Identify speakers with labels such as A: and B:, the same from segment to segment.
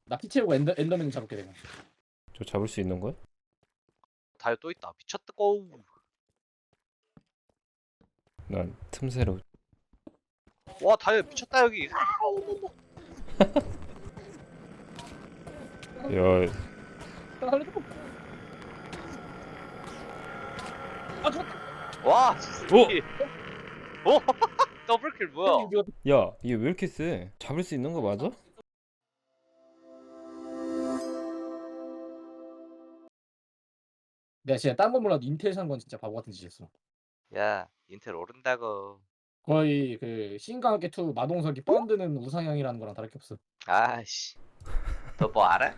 A: 나 피 채우고 엔더맨 잡을게 내가.
B: 저 잡을 수 있는 거야?
C: 다이어 또 있다. 미쳤다 고.
B: 난 틈새로.
C: 와 다이어 미쳤다 여기.
B: 야,
A: 아 죽었다.
C: 와 진짜. 오 더블킬 뭐야?
B: 야, 얘 왜 이렇게 세? 잡을 수 있는 거 맞아?
A: 내가 진짜 딴 건 몰라도 인텔 산 건 진짜 바보 같은 짓이었어.
C: 야 인텔 오른다고.
A: 거의 그 신강하게 2 마동석이 뻔드는 우상향이라는 거랑 다를 게 없어.
C: 아씨. 너 뭐 알아?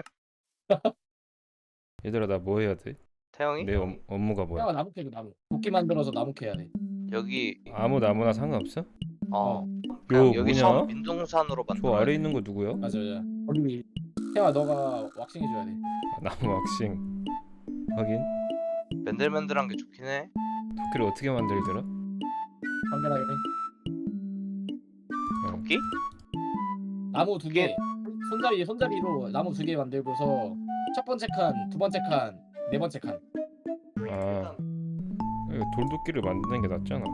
B: 얘들아, 나 뭐 해야 돼?
C: 태영이?
B: 내 업무가 뭐야?
A: 야 나무 캐고 나무. 도끼 만들어서 나무 캐야 돼.
C: 여기
B: 아무 나무나 상관없어?
C: 어
B: 요
C: 그냥 여기 처음
B: 뭐냐?
C: 민둥산으로
B: 저
C: 만들어.
B: 아래 있는 거 누구야?
A: 맞아 맞아. 거기 태아 너가 왁싱 해줘야 돼.
B: 아, 나무 왁싱. 하긴.
C: 맨들맨들한 게 좋긴 해.
B: 도끼를 어떻게 만들더라?
A: 간단하게 돼.
C: 도끼?
A: 나무 2개. 손잡이로 나무 2개 만들고서 첫 번째 칸, 두 번째 칸, 네 번째 칸.
B: 아, 이거 돌도끼를 만드는 게 낫잖아.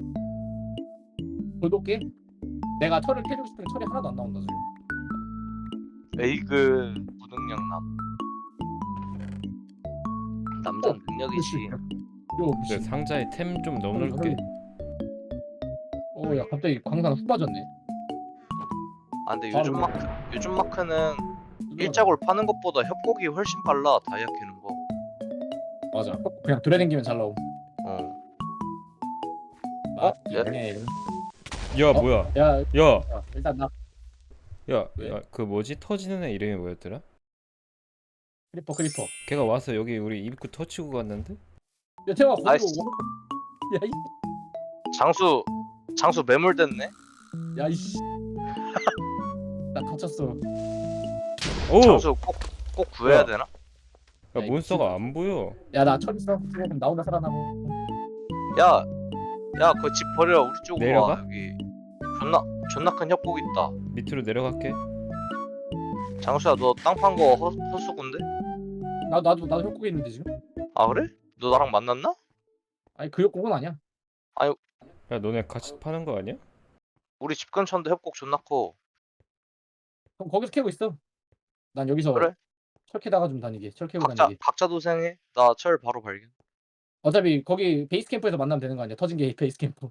A: 돌도끼? 내가 철을 캐주고 싶은데 철이 하나도 안 나온다 지금.
C: 에이그 무능력남. 남자 능력이지.
A: 요
B: 근데 상자에 템 좀 넣어놓을게.
A: 야 갑자기 광산 훅 빠졌네.
C: 아 근데
A: 바로
C: 요즘 마크는 일자골 파는 것보다 협곡이 훨씬 빨라. 다이아 캐는 거.
A: 맞아. 그냥 돌아다니면 잘 나옴.
C: 어.
A: 아,
C: 예?
A: 네.
B: 야,
A: 어?
B: 뭐야?
A: 야,
B: 야,
A: 일단 나
B: 야,
A: 왜?
B: 야, 그 뭐지? 터지는 애 이름이 뭐였더라?
A: 크리퍼.
B: 걔가 와서 여기 우리 입구 터치고 갔는데?
A: 야 태화 거기로
C: 아이씨.
A: 와.
C: 장수 매몰됐네.
A: 야 이씨. 나 갇혔어.
B: 오!
C: 장수 꼭 구해야
B: 야.
C: 되나?
B: 야,
A: 야,
B: 몬스터가 안 보여.
A: 야 나 철 있어. 그럼 나 혼자 살아남어.
C: 야 그거 집 버려. 우리 쪽으로
B: 내려가?
C: 와. 여기 존나 큰 협곡 있다.
B: 밑으로 내려갈게.
C: 장수야 너 땅 판 거 헛수군데?
A: 나도 협곡에 있는데 지금.
C: 아 그래? 너 나랑 만났나?
A: 아니 그 협곡은 아니야.
B: 야, 너네 같이 파는 거 아니야?
C: 우리 집 근처인데 협곡 존나 커.
A: 그럼 거기서 캐고 있어. 난 여기서
C: 그래?
A: 철 캐다가 좀 다니게. 철 캐고 다니게.
C: 각자 도생해. 나 철 바로 발견.
A: 어차피 거기 베이스 캠프에서 만나면 되는 거 아니야? 터진 게 베이스 캠프.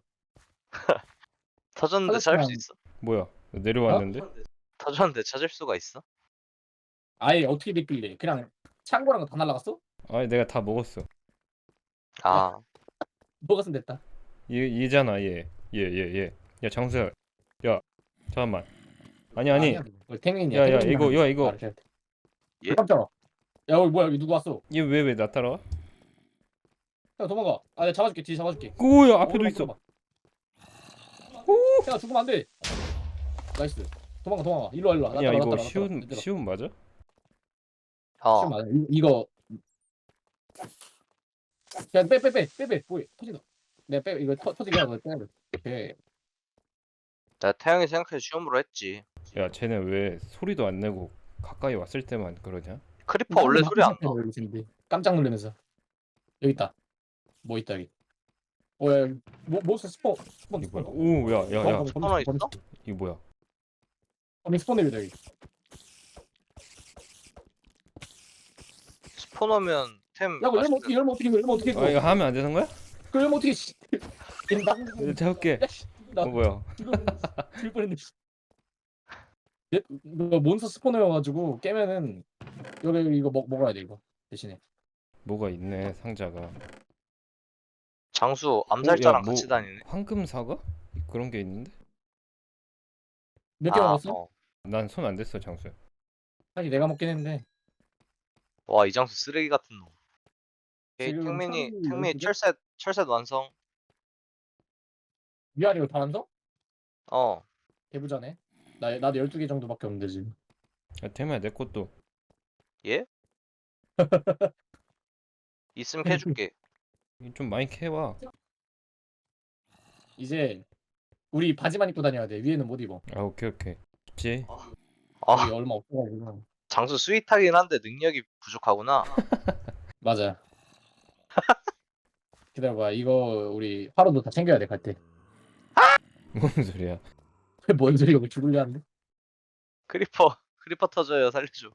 C: 터졌는데 찾을 수
A: 터졌으면-
C: 있어?
B: 뭐야? 내려왔는데?
C: 터졌는데 찾을 수가 있어?
A: 아예 어떻게 됐길래? 그냥 창고랑 다 날라갔어?
B: 아니, 내가 다 먹었어.
C: 아
A: 먹었으면 됐다.
B: 얘잖아, 얘. 얘. 야, 장수야. 야, 잠깐만. 아니.
A: 아니야, 그거 탱민이야.
B: 야,
A: 탱민이랑
B: 이거, 이거.
A: 말을 해야 돼.
C: 예?
A: 깜짝아. 야 여기 뭐야? 여기 누구 왔어?
B: 얘 왜 나 따라와?
A: 야 도망가. 아 내가 잡아줄게. 뒤에 잡아줄게.
B: 오야, 앞에도 있어.
A: 야 죽으면 안 돼. 나이스. 도망가. 일로 와.
B: 야, 이거
A: 쉬운
B: 쉬운 맞아?
A: 맞아. 이거 그냥 빼. 뭐해? 터진다. 내가 빼. 이거 터지게 하고 빼야 돼. 오케이.
C: 나 태양이 생각해 시험으로 했지.
B: 야, 쟤네 왜 소리도 안 내고 가까이 왔을 때만 그러냐?
C: 크리퍼 원래 소리 안 나.
A: 깜짝 놀라면서 여기 있다. 뭐 있다 여기. 야, 몬스터 스폰.
B: 이거 뭐야? 오, 야.
C: 스포너 있어?
B: 이거 뭐야?
A: 스폰입니다 여기.
C: 스포너면 템.
A: 야, 이거 열면 어떻게
B: 아, 이거 하면 안 되는 거야?
A: 그 열면 어떻게 씨.
B: 이거 잡을게.
A: 야, 씨. 나
B: 뭐야?
A: 죽을 뻔했네. 이거 몬스터 스포너여가지고 깨면은 여기 이거 먹어야 돼 이거 대신에.
B: 뭐가 있네, 상자가.
C: 장수 암살자랑
B: 뭐-
C: 같이 다니네.
B: 황금 사과? 그런 게 있는데?
A: 몇 개 먹었어?
B: 난 손 안 댔어, 장수야.
A: 사실 내가 먹긴 했는데.
C: 와 이장수 쓰레기 같은 놈. 오케이,
A: 지금
C: 탱민이
A: 철이 12개?
C: 철셋 완성.
A: 위아래로 다 완성?
C: 어
A: 개부자네. 나도 12개 정도밖에 없는데 지금.
B: 야, 태마야, 내 것도.
C: 예? 있으면 캐줄게.
B: 좀 많이 캐와.
A: 이제 우리 바지만 입고 다녀야 돼. 위에는 못 입어.
B: 아, 오케이. 좋지.
C: 아
A: 여기 얼마 없어가지고.
C: 장수 스윗하긴 한데 능력이 부족하구나.
A: 맞아. 기다려봐. 이거 우리 화로도 다 챙겨야 돼 갈 때.
B: 뭔 소리야?
A: 뭔 소리야? 이거 죽을려 하는데?
C: 크리퍼 터져요 살려줘.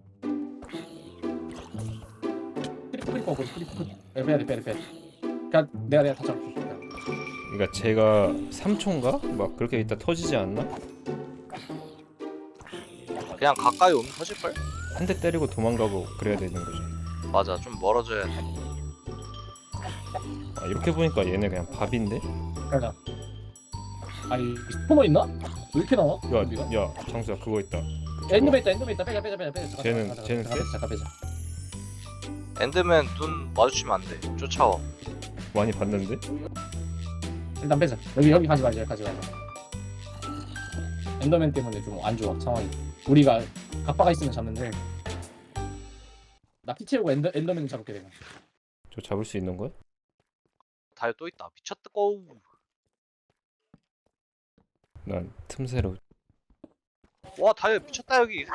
A: 크리퍼 먹고 크리퍼. 빼야 돼 빼야 돼 빼야 돼. 그냥 내가 다 잡을게.
B: 그러니까 제가 3초인가? 막 그렇게 있다 터지지 않나?
C: 그냥 가까이 오면 터질걸?
B: 한 대 때리고 도망가고 그래야 되는 거지.
C: 맞아 좀 멀어져야 돼.
B: 아, 이렇게 보니까 얘네 그냥 밥인데?
A: 가자. 아니 스포머 있나? 왜 이렇게 나와? 좀비가?
B: 야 장수야 그거 있다.
A: 엔더맨 있다. 빼자.
B: 쟤는
A: 잠깐 빼자.
C: 엔드맨 눈 마주치면 안돼. 쫓아와.
B: 많이 봤는데?
A: 일단 빼자. 여기 가지 말자. 엔더맨 때문에 좀 안 좋아 상황이. 우리가 갑바가 있으면 잡는데 나 피 채우고 엔더맨 잡을게 내가.
B: 저 잡을 수 있는 거야?
C: 다이어 또 있다. 미쳤다고.
B: 난 틈새로.
C: 와 다이어 미쳤다 여기.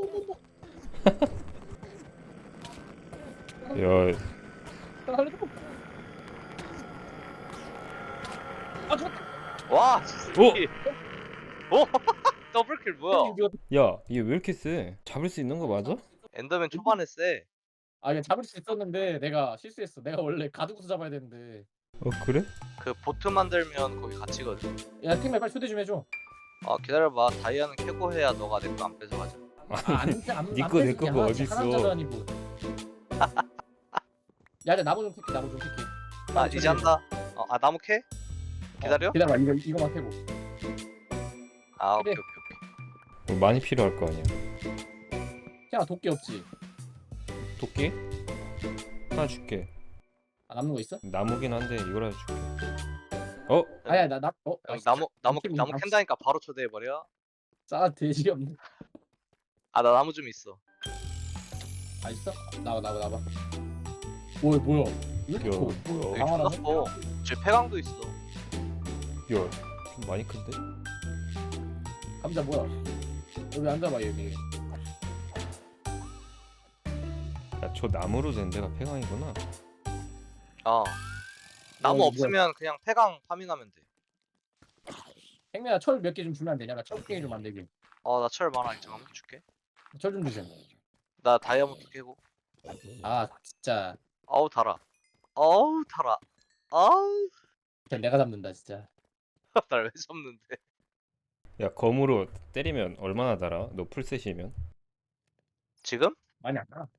B: 야
A: 아 죽었다.
C: 와 진짜. 오 더블킬 뭐야?
B: 야 얘 왜 이렇게 세? 잡을 수 있는 거 맞아?
C: 엔더맨 초반에 세.
A: 아 이거 잡을 수 있었는데 내가 실수했어. 내가 원래 가두고서 잡아야 되는데.
B: 어 그래?
C: 그 보트 만들면 거기 갇히거든.
A: 야 팀에 빨리 초대 좀 해줘.
C: 기다려봐. 다이아는 캐고 해야 너가 내 거 안 뺏어가자.
B: 니꺼 내 거가 어딨어.
A: 하나짜도 아니고. 야 이제 나무 좀 캐게.
C: 이제 한다. 나무 캐? 기다려?
A: 기다려봐 이거만 캐고.
C: 오케이.
B: 뭐 많이 필요할 거 아니야.
A: 야 도끼 없지?
B: 도끼? 하나 줄게.
A: 남는 거 있어?
B: 나무긴 한데 이거라도 줄게. 어?
A: 아야 나
C: 나무 캔다니까 바로 초대해버려.
A: 싸 돼지 없네.
C: 나 나무 좀 있어.
A: 아 있어? 나와. 뭐야? 왜 이렇게
B: 야
A: 커?
B: 뭐야?
C: 여기
A: 강화라네?
C: 존나 커. 저 폐광도 있어.
B: 야 좀 많이 큰데?
A: 감자 뭐야? 여기 앉아봐 여기.
B: 야 저 나무로 된 데가 폐광이구나.
C: 나무
A: 이거
C: 없으면 그냥 폐광 파밍하면 돼.
A: 행매야 철 몇 개 좀 주면 안 되냐? 나 철갱이 좀 만들게.
C: 나 철 많아. 잠깐만 줄게.
A: 철 좀 주세요.
C: 나 다이아몬드 깨고.
A: 아 진짜
C: 아우 달아. 아우 달아. 아우
A: 그냥 내가 잡는다 진짜.
C: 날 왜 잡는데?
B: 야 검으로 때리면 얼마나 달아? 너 풀셋이면?
C: 지금?
A: 많이 안 나.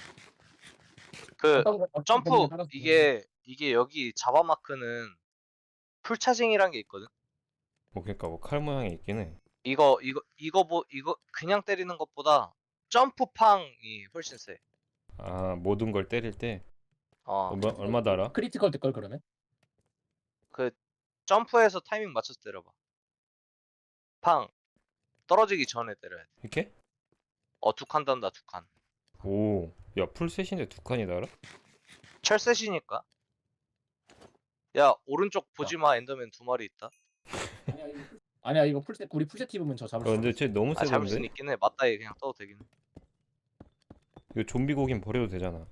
C: 그
A: 어떤
C: 점프
A: 범위에 따라서
C: 이게 여기 자바 마크는 풀 차징이란 게 있거든.
B: 뭐 그러니까 뭐 칼 모양이 있긴 해.
C: 이거 그냥 때리는 것보다 점프팡이 훨씬 세.
B: 아 모든 걸 때릴 때 얼마 달아?
A: 크리티컬 될걸 그러면?
C: 그 점프해서 타이밍 맞춰서 때려봐. 팡 떨어지기 전에 때려야 돼.
B: 이렇게?
C: 2칸 단다 2칸.
B: 오, 야 풀셋인데 2칸이 달아?
C: 철셋이니까. 야 오른쪽 보지마. 엔더맨 2마리 있다.
A: 아니야 이거 풀셋 우리 풀셋 입으면 저 잡을 수
B: 근데
A: 있어.
B: 쟤 너무
C: 잡을 수는
B: 세던데?
C: 있긴 해. 맞다이 그냥 떠도 되긴 해.
B: 이거 좀비 고긴 버려도 되잖아.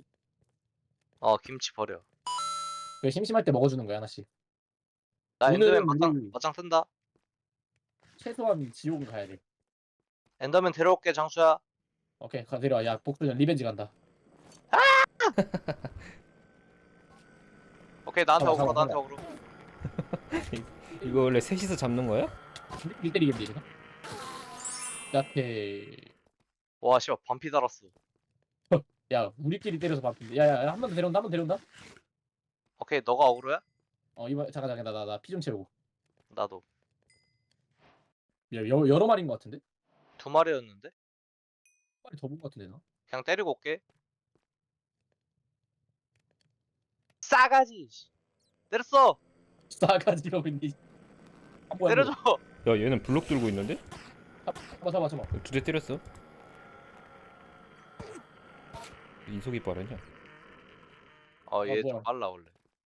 C: 김치 버려.
A: 그 심심할 때 먹어주는 거야 하나씩.
C: 나 엔더맨
A: 오늘은 우리-
C: 맞짱 뜬다.
A: 최소한 지옥을 가야 돼.
C: 엔더맨 데려올게 장수야.
A: 오케이 데려와. 야 복수전 리벤지 간다.
C: 오케이 나한테
A: 잠깐만,
C: 오그로 나한테
A: 잠깐만.
C: 오그로.
B: 이거 원래 셋이서 잡는 거야?
A: 1대1이겠네 이거. 야태.
C: 와 씨발 반피 달았어.
A: 야 우리끼리 때려서 바쁜데. 야야 한 번 더 데려온다.
C: 오케이 너가 오그로야?
A: 이번 잠깐 나 피 좀 채우고.
C: 나도.
A: 야 여러 마리인 것 같은데?
C: 2마리였는데?
A: 한 마리 더 본 것 같은데 나?
C: 그냥 때리고 올게. 싸가지. 때렸어.
A: 싸가지로 있니? 뭐야,
C: 때려줘.
B: 야 얘는 블록 들고 있는데?
A: 잡아.
B: 2대 때렸어. 이속이 빠르냐?
C: 얘
A: 뭐야.
C: 좀 빨라 원래.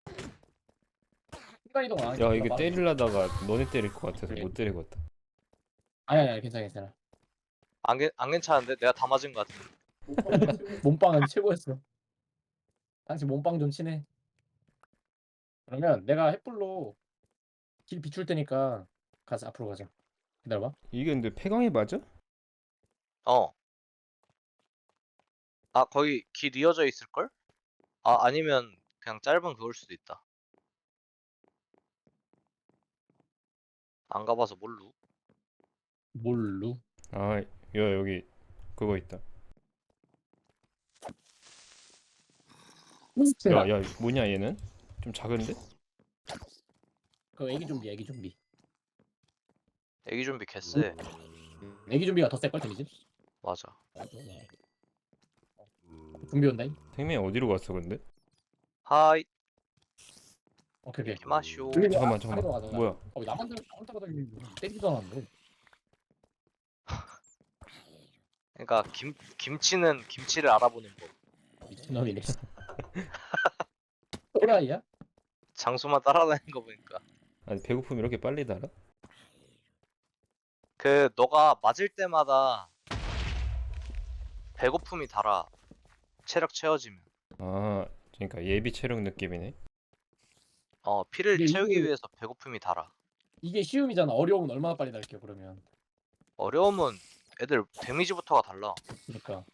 A: 순간 이동 안 하니까
B: 야
A: 내가
B: 이게
A: 빠르-
B: 때리려다가 너네 때릴 것 같아서
A: 그래.
B: 못 때리겠다.
A: 아니야 괜찮아.
C: 안 괜찮은데? 내가 다 맞은 것 같은데.
A: 몸빵은 최고였어. 당신 몸빵 좀 치네. 그러면 내가 횃불로 길 비출 테니까 가자. 앞으로 가자. 기다려봐.
B: 이게 근데 폐광이 맞아?
C: 어. 아, 거기 길 이어져 있을걸? 아, 아니면 그냥 짧은 그걸 수도 있다. 안 가봐서 몰루.
A: 몰루.
B: 아, 여기 그거 있다. 야, 뭐냐 얘는? 좀 작은데?
A: 그 애기 좀비, 애기 좀비.
C: 애기 좀비 개쎄.
A: 애기 좀비가 더 셀걸 데미지?
C: 맞아.
A: 좀비 온다잉.
B: 생명이 어디로 갔어 근데?
C: 하이,
A: 오케이 오케이.
C: 이마쇼.
B: 잠깐만.
A: 아래로 가자.
B: 뭐야?
A: 나만 따라다니는 때리지도 않았는데.
C: 그러니까 김치는 김치를 알아보는 법.
A: 미친놈이네. 또라이야?
C: 장소만 따라다니는 거 보니까.
B: 아니 배고픔 이렇게 빨리 달아?
C: 그 너가 맞을 때마다 배고픔이 달아. 체력 채워지면.
B: 아, 그러니까 예비 체력 느낌이네.
C: 피를
A: 이게
C: 채우기
A: 이게-
C: 위해서 배고픔이 달아.
A: 이게 쉬움이잖아. 어려움은 얼마나 빨리 날게요 그러면.
C: 어려움은 애들 데미지부터가 달라.
A: 그러니까.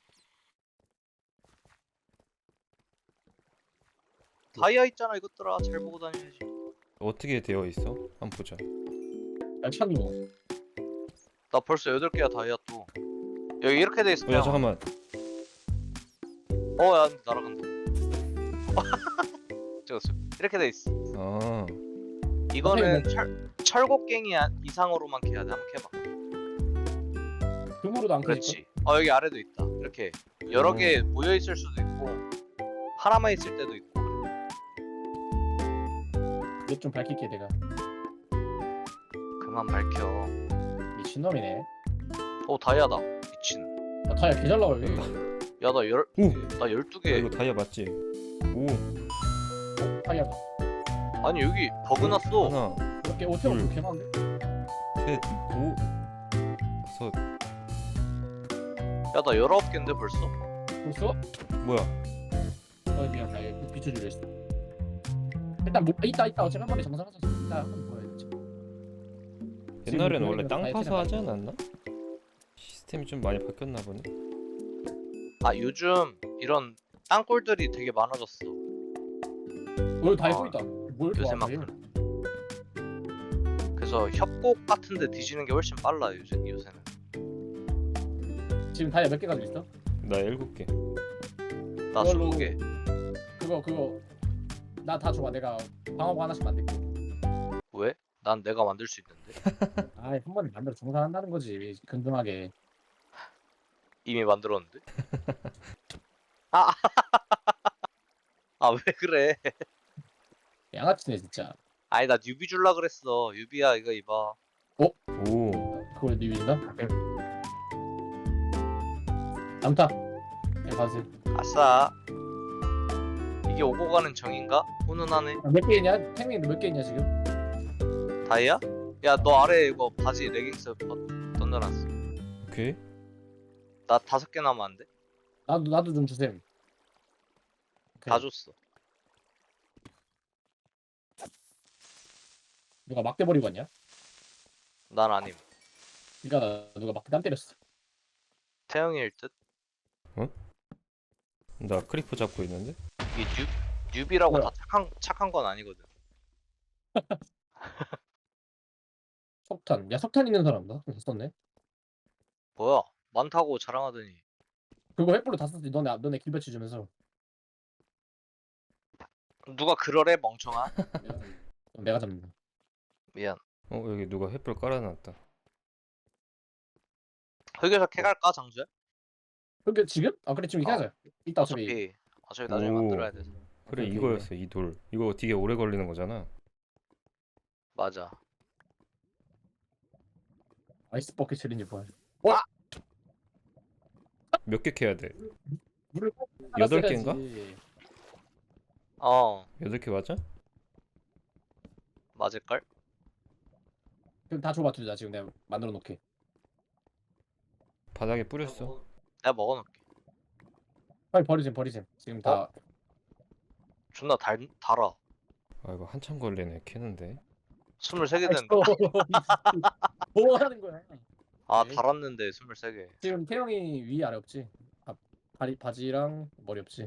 C: 다이아 있잖아 이것들아. 잘 보고 다녀야지.
B: 어떻게 되어 있어? 한번 보자.
A: 야 찬우.
C: 나 벌써 8개야 다이아 또. 여기 이렇게 돼 있어.
B: 야 잠깐만.
C: 야 날아간다. 찍었어. 이렇게 돼 있어.
B: 아,
C: 이거는 철곡갱이 이상으로만 캐야 돼. 한번 캐봐.
A: 금으로도 안 캐질
C: 그렇지. 여기 아래도 있다. 이렇게 여러 개 모여 있을 수도 있고 하나만 있을 때도 있고.
A: 맵좀 밝힐게 내가.
C: 그만 밝혀.
A: 미친놈이네.
C: 다이아다. 미친.
A: 아, 다야 개잘 나와 여기.
C: 야, 나
B: 오!
C: 12개.
B: 이거 다이아 맞지? 오,
A: 다야다.
C: 아니, 여기 버그 났어.
B: 하나,
A: 이렇게 오태고
B: 둘.
A: 개 많은데?
B: 셋, 오, 다섯.
C: 야, 나 19개인데 벌써?
A: 벌써?
B: 뭐야?
A: 미안 나 이거 비춰주려 했어. 일단 뭐 이따 어차피 한 번에 정상하자. 이따 한번 보여야 지
B: 옛날에는 원래
A: 지금
B: 땅
A: 다이아
B: 파서 하지
A: 테라가
B: 않았나? 시스템이 좀 많이 바뀌었나 보네.
C: 요즘 이런 땅굴들이 되게 많아졌어.
A: 오늘 다
C: 아,
A: 입고 있다. 뭘 좋아?
C: 요새만큼. 그래서 협곡 같은데 뒤지는 게 훨씬 빨라 요새는.
A: 지금 다이아 몇 개 가지고 있어?
B: 나 7개.
C: 나
A: 그걸로-
C: 20개.
A: 그거 나 다 줘봐. 내가 방어구 하나씩 만들게.
C: 왜? 난 내가 만들 수 있는데.
A: 아이 한 번에 만들어 정산한다는 거지. 근등하게.
C: 이미 만들었는데. 왜 그래?
A: 양아치네 진짜.
C: 아니 나 뉴비 줄라 그랬어. 뉴비야 이거 입어.
B: 오,
A: 그걸 리뷰인가? 남타. 네, 가세요.
C: 아싸. 이게 오고 가는 정인가? 훈훈하네.
A: 몇 개 있냐? 탱민 몇 개 있냐 지금?
C: 다이아? 야 너 아래 이거 바지 레깅스 던져놨어.
B: 오케이.
C: 나 5개 남았는데?
A: 나도 좀 주셈.
C: 다 줬어.
A: 누가 막대 버리고 왔냐?
C: 난 아님.
A: 그러니까 누가 막대 땀 때렸어.
C: 태영이일 듯?
B: 나 크리퍼 잡고 있는데.
C: 이게 뉴비라고
A: 뭐야?
C: 다 착한 건 아니거든.
A: 석탄. 야 석탄 있는 사람 나 썼네.
C: 뭐야? 많다고 자랑하더니.
A: 그거 횃불로 다 썼지. 너네 길배치 주면서.
C: 누가 그러래 멍청아?
A: 내가 잡는다.
C: 미안.
B: 여기 누가 횃불 깔아놨다.
C: 흑여사 캐갈까 장주야?
A: 그게 지금? 아 그래 지금 이렇게
C: 어.
A: 하자. 이따 어차피
C: 어차피 나중에
B: 오.
C: 만들어야 돼서.
B: 그래
A: 오케이,
B: 이거였어 이 돌. 이거 되게 오래 걸리는 거잖아.
C: 맞아.
A: 아이스 버킷 챌린지 뭐야?
B: 몇 개 캐야 돼?
A: 물을
B: 8개인가? 8개 맞아?
C: 맞을걸?
A: 그럼 다 줘봐 둘 다 지금 내가 만들어 놓게.
B: 바닥에 뿌렸어.
C: 내가 먹어놓을게.
A: 빨리 버리셈. 지금 다
C: 존나 달아.
B: 아 이거 한참 걸리네 캐는데.
C: 23개 됐는데.
A: 뭐 하는 거야?
C: 아
A: 에이.
C: 달았는데 23개.
A: 지금 태영이 위 아래 없지? 다리 바지랑 머리 없지?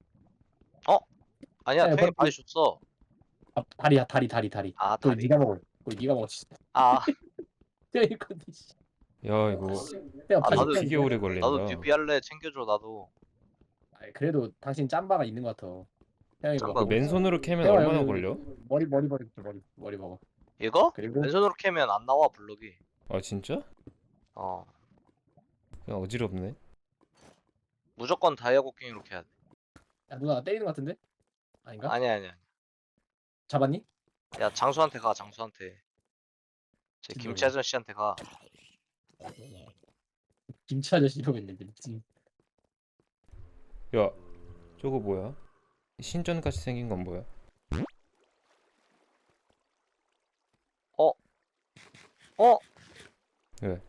C: 아니야
A: 네,
C: 태이 많이 줬어.
A: 다리야 다리.
C: 아
A: 그걸
C: 다리.
A: 네가 먹어. 그걸 네가 먹었지.
C: 아
A: 태영이 건데.
B: 야 이거
A: 태영
C: 아,
A: 바지
C: 나도-
B: 되게 오래 걸린다.
C: 나도 뉴비 할래 챙겨줘 나도.
A: 아이, 그래도 당신 짬바가 있는 것 같아. 태영이
C: 짬바
A: 먹어.
B: 그 맨손으로 캐면
A: 태영아,
B: 얼마나
A: 여기
B: 걸려?
A: 머리 머리 먹어.
C: 이거?
A: 그리고
C: 왼손으로 캐면 안 나와 블록이.
B: 아 진짜?
C: 어
B: 그냥 어지럽네.
C: 무조건 다이아 곡괭이로 캐야 돼.
A: 야 누나 나 때리는 것 같은데? 아닌가?
C: 아니야.
A: 잡았니?
C: 야 장수한테 가 장수한테. 제
A: 진짜
C: 김치 아저씨한테 가.
A: 김치 아저씨 이러고 있는데 미친.
B: 야 저거 뭐야? 신전같이 생긴 건 뭐야?
C: 어?
B: 왜?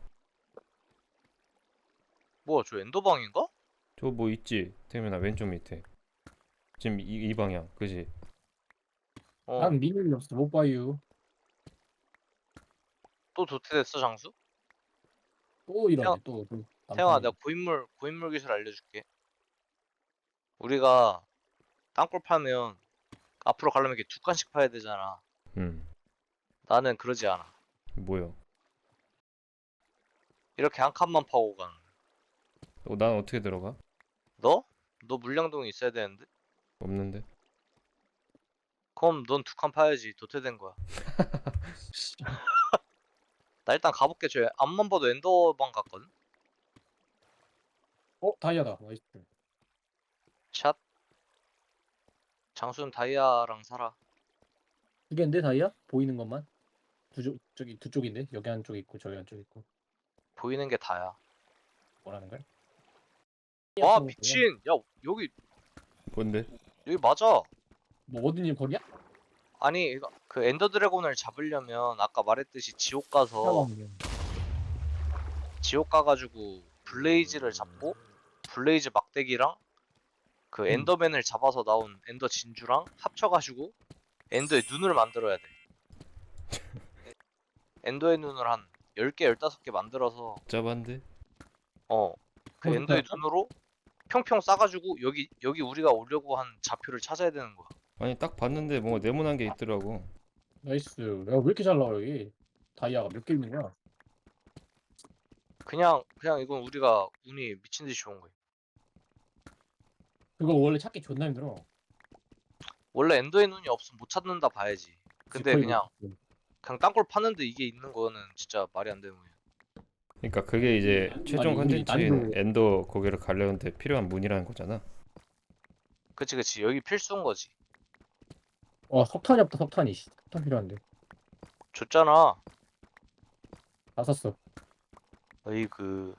C: 뭐야 저 엔더방인가?
B: 저거 뭐 있지? 태민아 왼쪽 밑에. 지금 이 방향 그지?
C: 어.
A: 난 미니이 없어 못 봐요.
C: 또 도태됐어 장수?
A: 또 이러네 또.
C: 태영아 내가 고인물 기술 알려줄게. 우리가 땅굴 파면 앞으로 가려면 이렇게 두 칸씩 파야 되잖아. 나는 그러지 않아.
B: 뭐야?
C: 이렇게 한 칸만 파고 가는 거야.
B: 난 어떻게 들어가?
C: 너? 너 물량동이 있어야 되는데?
B: 없는데?
C: 그럼 넌 두 칸 파야지. 도태된 거야. 나 일단 가볼게. 저 앞만 봐도 엔더방 같거든?
A: 다이아다. 나이스.
C: 샷. 장수는 다이아랑 살아.
A: 두 개인데 다이아? 보이는 것만? 저기 두 쪽인데 여기 한쪽 있고 저기 한쪽 있고.
C: 보이는 게 다야.
A: 뭐라는 거야?
C: 와 미친! 야 여기
B: 뭔데?
C: 맞아.
A: 뭐 어딘지 거리야?
C: 아니 이거 그 엔더 드래곤을 잡으려면 아까 말했듯이 지옥 가서 지옥 가가지고 블레이즈를 잡고 블레이즈 막대기랑 그 엔더맨을 잡아서 나온 엔더 진주랑 합쳐가지고 엔더의 눈을 만들어야 돼. 엔더의 눈을 한 10개, 15개 만들어서
B: 짜반데?
C: 그 엔더의 눈으로 평평 싸가지고 여기 우리가 오려고 한 좌표를 찾아야 되는 거야.
B: 아니 딱 봤는데 뭔가 네모난 게 있더라고.
A: 나이스. 야 왜 이렇게 잘 나와 여기? 다이아가 몇 개 있는 거야?
C: 그냥 이건 우리가 운이 미친 듯이 좋은 거야.
A: 그거 원래 찾기 존나 힘들어.
C: 원래 엔더의 눈이 없으면 못 찾는다 봐야지. 근데
A: 거의
C: 그냥
A: 못-
C: 땅굴 파는데 이게 있는 거는 진짜 말이 안 되는 거야.
B: 그러니까 그게 이제 최종
A: 아니, 우리
B: 컨텐츠인
A: 난이도-
B: 엔더 거기를 가려는데 필요한 문이라는 거잖아.
C: 그치 여기 필수인 거지.
A: 석탄이 없다 석탄이. 석탄 필요한데.
C: 줬잖아.
A: 다 샀어.
C: 어이그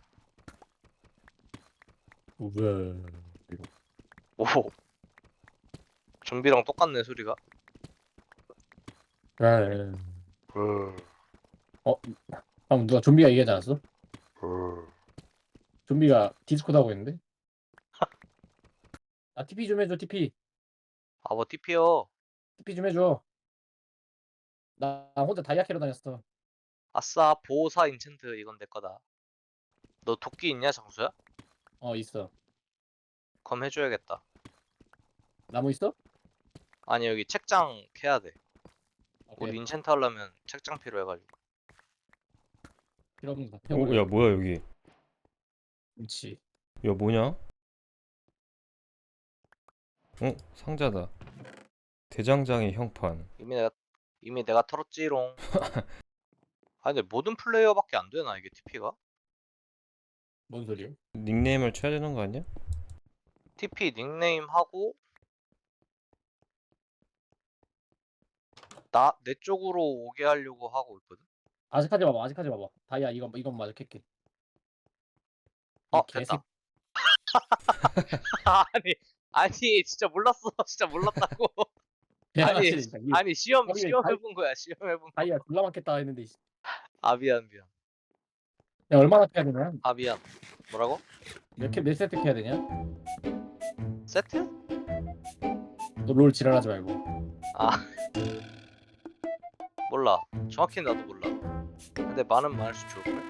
A: 우와.
C: 오 좀비랑 똑같네 소리가.
A: 그래. 방금 누가 좀비가 얘기하지 않았어? 좀비가 디스코드 하고 있는데? 아 TP 좀 해줘 TP.
C: 아뭐 TP요.
A: TP 좀 해줘. 나 혼자 다이아 캐러 다녔어.
C: 아싸 보호사 인챈트 이건 내 거다. 너 도끼 있냐 장수야?
A: 있어.
C: 그럼 해줘야겠다.
A: 나무 있어?
C: 아니 여기 책장 캐야 돼.
A: 오케이.
C: 우리 인챈트 하려면 책장 필요해가지고.
A: 필요 없는 거.
B: 야 뭐야 여기?
A: 그렇지.
B: 야 뭐냐? 상자다. 대장장의 형판.
C: 이미 내가 털었지롱. 아니 근데 모든 플레이어밖에 안 되나 이게 TP가?
A: 뭔 소리야?
B: 닉네임을 쳐야 되는 거 아니야?
C: TP 닉네임 하고 내 쪽으로 오게 하려고 하고 있거든.
A: 아직 하지 마봐. 다이아 이건 마저 캘게.
C: 됐다. 아니 진짜 몰랐어. 진짜 몰랐다고. 아니 시험 해본 거야. 시험 해본 거.
A: 다이아 졸라 많겠다 했는데.
C: 아 미안.
A: 야 얼마나 캐야 되냐?
C: 아 미안. 뭐라고?
A: 몇 세트 캐야 되냐?
C: 세트?
A: 너 롤 지랄하지 말고.
C: 아 몰라. 정확히 나도 몰라. 근데 많을수록 좋을걸?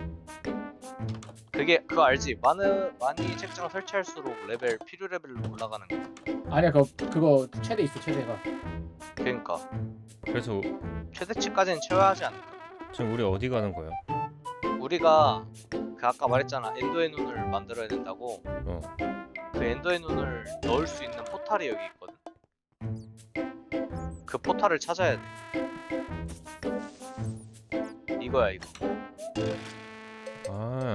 C: 그거 알지? 많이 책장 설치할수록 필요 레벨로 올라가는 거.
A: 아니야 그거 최대 있어 최대가.
C: 그러니까
B: 그래서
C: 최대치까지는 채워야 하지 않을까?
B: 지금 우리 어디 가는 거야?
C: 우리가 그 아까 말했잖아. 엔더의 눈을 만들어야 된다고.
B: 어.
C: 그 엔더의 눈을 넣을 수 있는 포탈이 여기 있거든. 그 포탈을 찾아야 돼. 이거야 이거.
B: 아.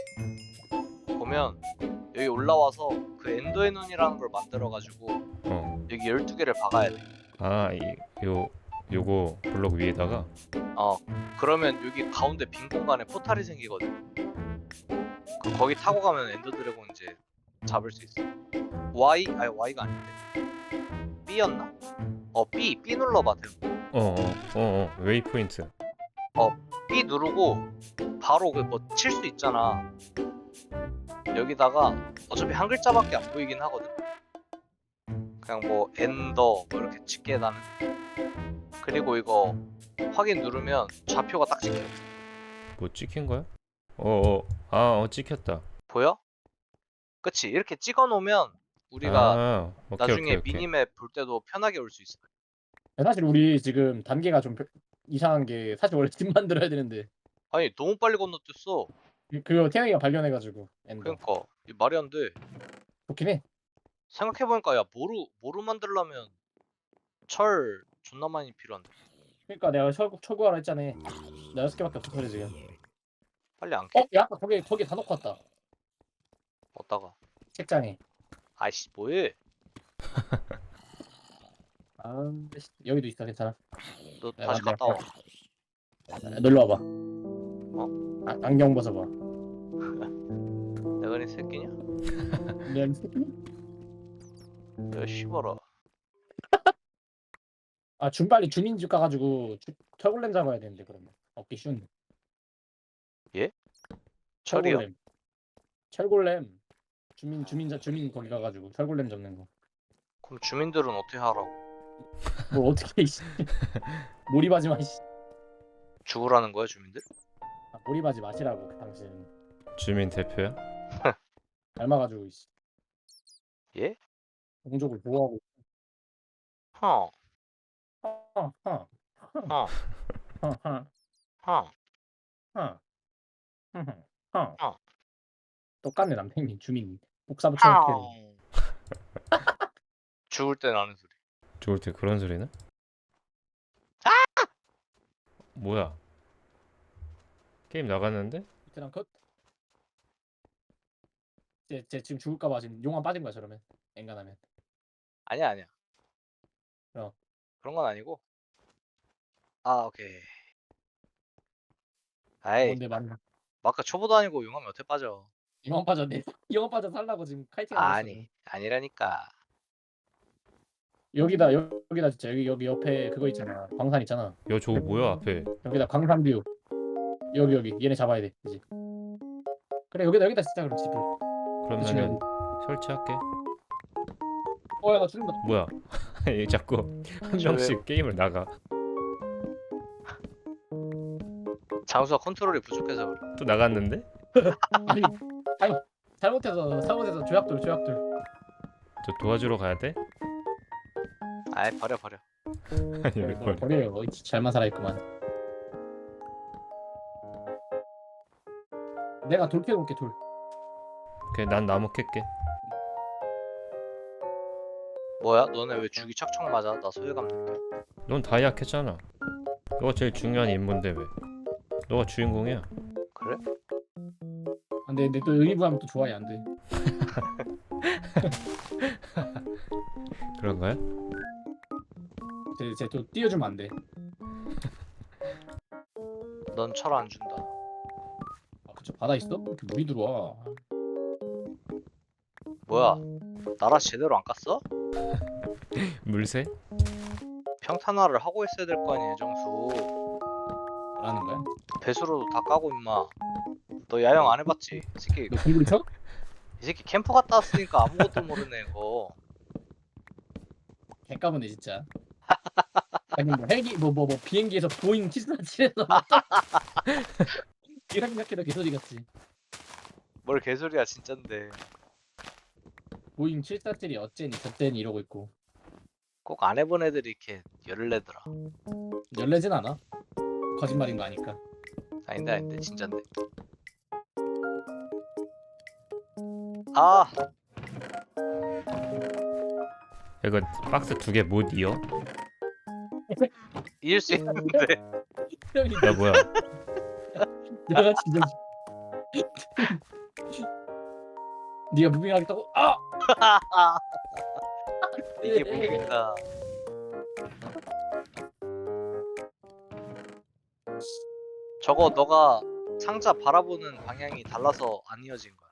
C: 보면 여기 올라와서 그 엔더의 눈이라는 걸 만들어가지고
B: 어.
C: 여기 12개를 박아야 돼.
B: 아, 요거 블록 위에다가.
C: 그러면 여기 가운데 빈 공간에 포탈이 생기거든. 거기 타고 가면 엔더 드래곤 이제 잡을 수 있어. Y가 아닌데. B였나? B 눌러봐.
B: 웨이포인트.
C: B 누르고 바로 그 뭐 칠 수 있잖아. 여기다가 어차피 한 글자밖에 안 보이긴 하거든. 그냥 뭐 엔더 뭐 이렇게 찍게 나는. 그리고 이거 확인 누르면 좌표가 딱 찍혀.
B: 뭐 찍힌 거야? 찍혔다.
C: 보여? 그치? 이렇게 찍어 놓으면 우리가
B: 오케이,
C: 나중에
B: 오케이.
C: 미니맵 볼 때도 편하게 올 수 있어.
A: 사실 우리 지금 단계가 좀 이상한 게 사실 원래 집 만들어야 되는데
C: 아니 너무 빨리 건너뛰었어.
A: 그거 태영이가 발견해가지고 엔더.
C: 그러니까 이 말이 안 돼.
A: 좋긴 해.
C: 생각해보니까 야 모루 만들려면 철 존나 많이 필요한데.
A: 그러니까 내가 철구하라 했잖아. 나 6개밖에 없어 그래 지금.
C: 빨리 안 캐?
A: 야 아까 거기 다 놓고 왔다.
C: 어디다가?
A: 책장에.
C: 아이씨 뭐해?
A: 여기도 있어 괜찮아.
C: 너
A: 야,
C: 다시
A: 내가
C: 갔다 와.
A: 놀러 와봐. 안경 벗어봐.
C: 내가 이 새끼냐?
A: 내가 이 새끼?
C: 야 씨발아.
A: 빨리 주민집 가가지고 철골렘 잡아야 되는데 그러면 얻기 쉬운데.
C: 철이요?
A: 철골렘. 주민 거기 가가지고 철골렘 잡는 거.
C: 그럼 주민들은 어떻게 하라고?
A: 뭘 어떻게 이씨. 몰입하지 마 이씨.
C: 죽으라는 거야 주민들?
A: 몰입하지 마시라고 그 당신.
B: 주민 대표야?
A: 닮아가지고 이씨.
C: 예?
A: 동족을 보호하고.
C: 허.
A: 허허.
C: 허.
A: 허허.
C: 허.
A: 허. 허.
C: 어.
A: 똑같네 남편님 주민 복사 붙여놓게.
C: 죽을 때 나는 소리.
B: 좋을 때 그런 소리는? 뭐야? 게임 나갔는데?
A: 베테랑 컷. 쟤 지금 죽을까봐 지금 용암 빠진 거야 저러면 엔간하면.
C: 아니야. 그런 건 아니고. 오케이. 아이
A: 뭔데 맞나?
C: 마카 초보도 아니고 용암이 어떻게 빠져?
A: 용암 빠졌네. 용암 빠져 살라고 지금 카이팅 하고 있어.
C: 아니라니까.
A: 여기다 진짜 여기 옆에 그거 있잖아. 광산 있잖아.
B: 야, 저거 뭐야 앞에?
A: 여기다 광산뷰. 여기 얘네 잡아야 돼 이제. 그래 여기다 진짜 그럼 집을.
B: 그러면은 설치할게.
A: 야 나 죽는다.
B: 뭐야? 얘 자꾸 한 명씩 게임을 나가.
C: 장수가 컨트롤이 부족해서 그래.
B: 또 나갔는데?
A: 아니 잘못해서 조약돌.
B: 저 도와주러 가야 돼?
C: 아이 버려.
B: 아니 이걸.
A: 버려요. 잘만 살아있구만. 내가 돌 캐놓을게 돌.
B: 오케이, 난 나무 캘게.
C: 뭐야? 너네 왜 죽이 척척 맞아? 나 소외감 느껴.
B: 넌 다 약했잖아. 너가 제일 중요한 인물인데 왜? 너가 주인공이야.
C: 그래?
A: 근데 또 의리부하면 또 좋아해 안 돼.
B: 그런 거야?
A: 쟤또 띄워주면 안 돼.
C: 넌 철 안 준다.
A: 그쵸 바다 있어? 이렇게 물이 들어와.
C: 뭐야? 나라 제대로 안 깠어?
B: 물새?
C: 평탄화를 하고 있어야 될 거 아니야, 정수.
A: 라는 거야?
C: 배수로도 다 까고 임마. 너 야영 안 해봤지? 이 새끼
A: 너 공구리 쳐?
C: 이 새끼 캠프 갔다 왔으니까 아무것도 모르네 이거.
A: 개까부네 진짜. 아니 뭐 헬기 뭐 비행기에서 보잉 747에서 이라 생각해도 개소리 같지.
C: 뭘 개소리야 진짠데.
A: 보잉 747이 어째니 저째니 이러고 있고.
C: 꼭 안 해본 애들이 이렇게 열을 내더라.
A: 열내진 않아. 거짓말인 거 아니까.
C: 아닌데 진짠데. 아
B: 이거 박스 2개 못 이어?
C: 이길 수 있는데.
B: 야 뭐야?
A: 내가 진짜 네가 무빙하겠다고? 아!
C: 이게 뭡니까? 저거 너가 상자 바라보는 방향이 달라서 안 이어진 거야.